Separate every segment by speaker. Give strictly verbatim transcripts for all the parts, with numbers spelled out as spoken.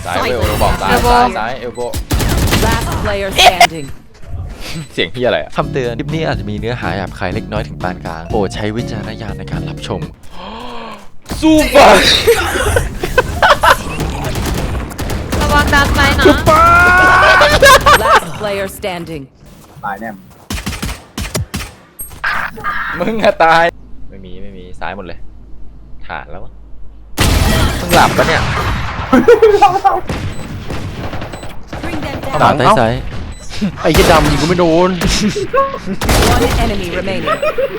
Speaker 1: ซ้ายเอลบอกซ้ายซ้ายซ้ายเอลโบ
Speaker 2: Last player standing
Speaker 1: เสียงพี่อะไรอะ
Speaker 3: คำเตือนคลิปนี้อาจจะมีเนื้อหาหยาบคายเล็กน้อยถึงปานกลางโปรดใช้วิจารณญาณในการรับชม
Speaker 1: สู้ปะ
Speaker 4: ระวังดันไปนะ
Speaker 2: Last player standing
Speaker 5: ตายแน่
Speaker 1: มึงอะตายไม่มีไม่มีซ้ายหมดเลยฐานแล้วมั้งมึงหลับปะเนี่ย
Speaker 3: หลังใต้ซ้าย
Speaker 6: ไอ้เหี้ยดำยิงกูไม่โดน
Speaker 2: One enemy remaining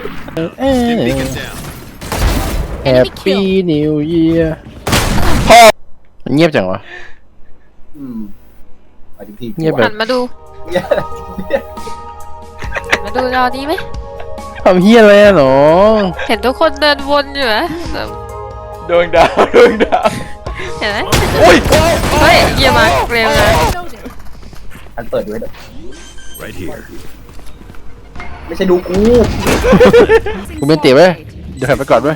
Speaker 6: แฮปปี้นิวเยียร์เงียบจังวะ
Speaker 5: อืมไปถึงที่
Speaker 6: เงียบแบ
Speaker 4: หั
Speaker 6: บ
Speaker 4: นมาดู
Speaker 5: เงียบ
Speaker 4: มาดูจอนี้ไหม
Speaker 6: ทำเฮียอะไรอะหนอ
Speaker 4: เห็นทุกคนเดินวนอยู่ไหม
Speaker 1: ดวงดาวดวงดาว
Speaker 4: เห็นไหม
Speaker 1: โอ้ย
Speaker 4: เฮ้ยเยี่ยมมากเร็วเลย
Speaker 5: อันเปิดดูให้ด้วยไม่ใช่ดูกู
Speaker 6: กูเป็นเตี๋ยวเว้ยเดี๋ยวหันไปก่อนเว้ย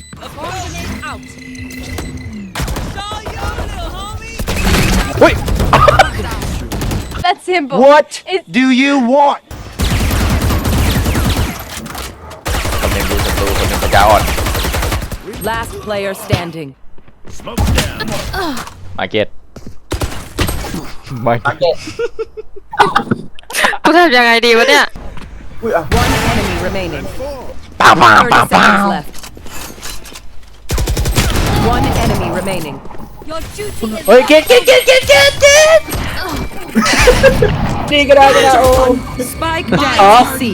Speaker 4: That's simple
Speaker 6: What do you want
Speaker 1: คนหนึ่งดูศัตรูคนหนึ่งปัญญาอ่อน
Speaker 2: Last player standing
Speaker 1: มาเก็ตมาเก็ต
Speaker 5: เก็ต
Speaker 4: กูทำยังไงดีวะเนี่ย
Speaker 5: อุ้ยอ่ะ
Speaker 2: One enemy remaining
Speaker 6: ป่าป่า
Speaker 2: thirty
Speaker 6: ป่าป่า
Speaker 2: seconds left One enemy remaining
Speaker 6: เฮ้ยเก็ตเก็ตเก็ตเก็ตเก็ตเก็ต
Speaker 5: นี่ก็ได้ก็ได้โอ้
Speaker 2: Spike down C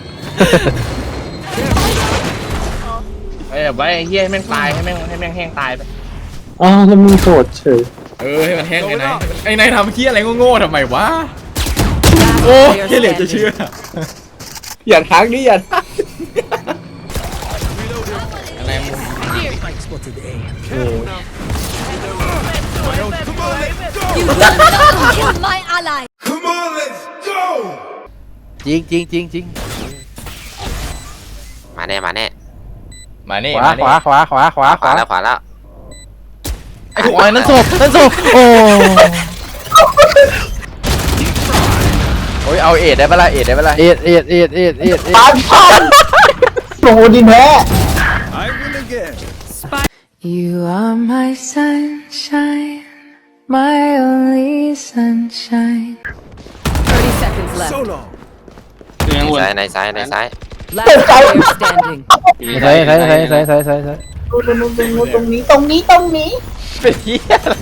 Speaker 7: เอ้ยไว้ไอ้เหี้ยให้แม่งตายให้แม่งให้แม่งแห้งตายไป
Speaker 6: อ้าวแล้วมึงโกรธเฉย
Speaker 1: เออให้มันแห้งไอ้นายไอ้นายทำเฮี้ยอะไรโง่ๆทำไมวะ
Speaker 2: Last
Speaker 1: โอ้
Speaker 2: player
Speaker 1: แค่เหลือจะ
Speaker 2: standing
Speaker 1: เชื่อ
Speaker 5: อย่าทักนี่อย่าทัก
Speaker 1: อะไรมึง
Speaker 6: จริงจริงจริงจริง
Speaker 7: มาแน่มาแน่
Speaker 1: มานี่
Speaker 6: ขวา
Speaker 1: มา
Speaker 6: ข
Speaker 1: นี่
Speaker 6: วาขวาขวาขวา
Speaker 7: ขวาแล้วขวาแล้ว
Speaker 6: ไอ้ขวานั่นศพนั่นศพโอ้
Speaker 1: โอ้ยเอาเอ็ดได้ปะล่ะเอ็ดได้ปะล่ะ
Speaker 6: เอ็ดเอ็ดเอ็ดเอ็ดเอ็ดเอ็ด
Speaker 5: ปานพันโอ้โหดินแท้
Speaker 8: You are my sunshine, my only sunshine.
Speaker 2: thirty seconds left
Speaker 7: ซ้ายในซ้ายในซ้าย
Speaker 2: Last player standing
Speaker 6: ใส่ใส่ใส่ใส่ใส่ใส่ใส่
Speaker 5: ตรงนู้นตรงนู้นตรงนี้ตรงนี้ตรงนี้
Speaker 1: เป็นเฮี้ยอะไร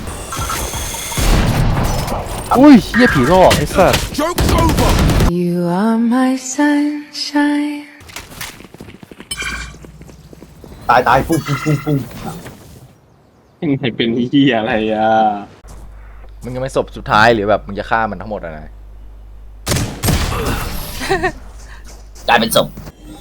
Speaker 6: อุ้ยเฮียผีหลอกไอ้สัส
Speaker 8: You are my sunshine.
Speaker 5: ตายตายฟุ้งฟุ้งฟุ้งฟุ้ง
Speaker 6: ยังไงเป็นเฮียอะไรอ่ะ
Speaker 1: มึงยังไม่ศพสุดท้ายหรือแบบมึงจะฆ่ามันทั้งหมดอะไร
Speaker 5: กลายเป็นศพ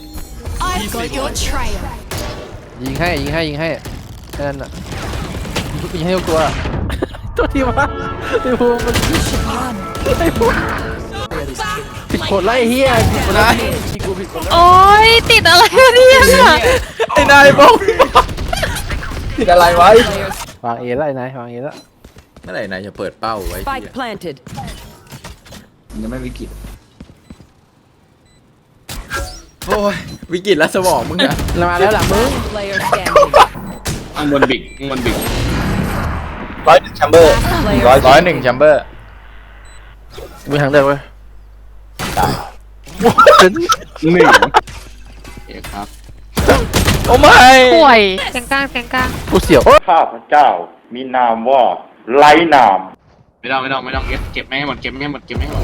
Speaker 6: ยิงให้ยิงให้ยิงให้แค่นั้นน่ะยิงให้ทุกตัวตัวที่มาไอ้พวกมันไอ้พวกผิดกฎไล่เฮียผิดกฎไล่กูผิดกฎ
Speaker 4: โอ้ยติดอะไรวะเนี่ย
Speaker 1: ไอ้นายบอก
Speaker 5: ผิดอะไรไว้
Speaker 6: วางเอแล้วไอ้นายวางเอแล้ว
Speaker 1: เมื่อไหร่นายจะเปิดเป้าไว้
Speaker 2: Spike planted
Speaker 5: ยังไม่วิกฤต
Speaker 1: โอ้ยวิกฤตแล้วสมองมึงอะ
Speaker 6: มาแล้วหลังมึง
Speaker 2: player standing
Speaker 7: ข้างบนบิกข้างบนบิก
Speaker 5: ร้อยหนึ่งแชมเบอร์
Speaker 2: player
Speaker 5: ร้อย
Speaker 1: ร้อยหนึ่งแชมเบอร์
Speaker 6: มีทางเดินเว้ย
Speaker 5: ตาย
Speaker 6: หนึ่ง
Speaker 1: โอ้ไม่
Speaker 4: ป่วยเสียงกลางเสียงกลาง
Speaker 6: กูเสียว
Speaker 9: ข้าพเจ้ามีนามว่าไร้นาม
Speaker 7: ไม่ต้องไม่ต้องไม่ต้องเก็บเก็บไม่ให้หมดเก็บไม่ให้หมดเก็บไม่ให้หมด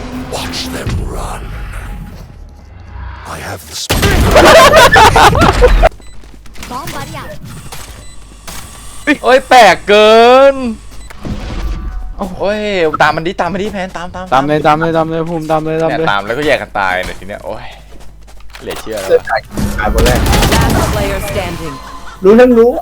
Speaker 1: โอ้ยแปลกเกินโอ้ยตามมันดิตามมันดิแพนตามตาม
Speaker 6: ตามเลยตามเลยตามเลยภูมิตามเลยตาม
Speaker 1: เนี่ย
Speaker 6: เลย
Speaker 1: ตามแล้วก็แยกกันตายเนี่ยทีเนี้ยโอ้ยเหลือเชื่อแล้ว
Speaker 5: เลือด
Speaker 1: อะ
Speaker 5: ตายตายคนแรก
Speaker 2: Last player standing
Speaker 5: รู้ทั้งรู้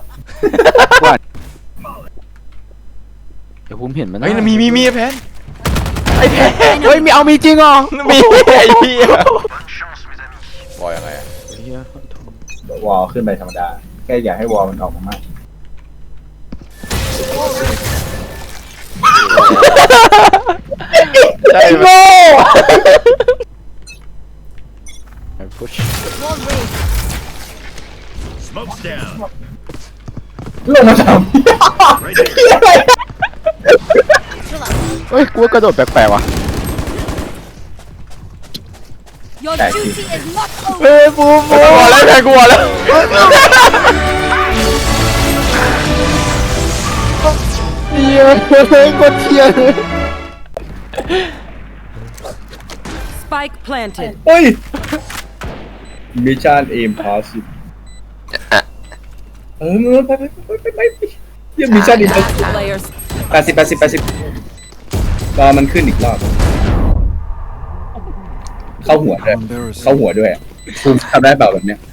Speaker 6: เดี๋ยวภูมิเห็นมัน
Speaker 1: เฮ้ยมีมีมีแพนไอ้แพน
Speaker 6: เฮ้ยมีเอามีจริงเหรอ
Speaker 1: มีไอ้เหี้ยบอยยังไงอะ
Speaker 5: วอลขึ้นไปธรรมดาแค่อยากให้วอลมันออกมามาก
Speaker 1: ใช่ไหม
Speaker 6: พุช
Speaker 5: ลงมาทำ
Speaker 6: เฮ้ยกูว่ากระโดดแปลกๆว่ะ
Speaker 2: Your duty is not over.
Speaker 6: เฮ้ยบูม
Speaker 1: กลัวแล้วใช่กลัวแล้ว
Speaker 6: เฮียเฮ้ยกดเทีย
Speaker 2: Spike planted.
Speaker 5: เฮ้ยมิชชั่นเอมพาสิเออไปไปไปไปไปยังมิชชั่นอีก
Speaker 2: Players.
Speaker 5: แปดสิบแปดสิบแปดสิบรอมันขึ้นอีกรอบเข้าหัวด้วยเข้าหัวด้วยภูมิทำได้เปล่าแบบเนี้ย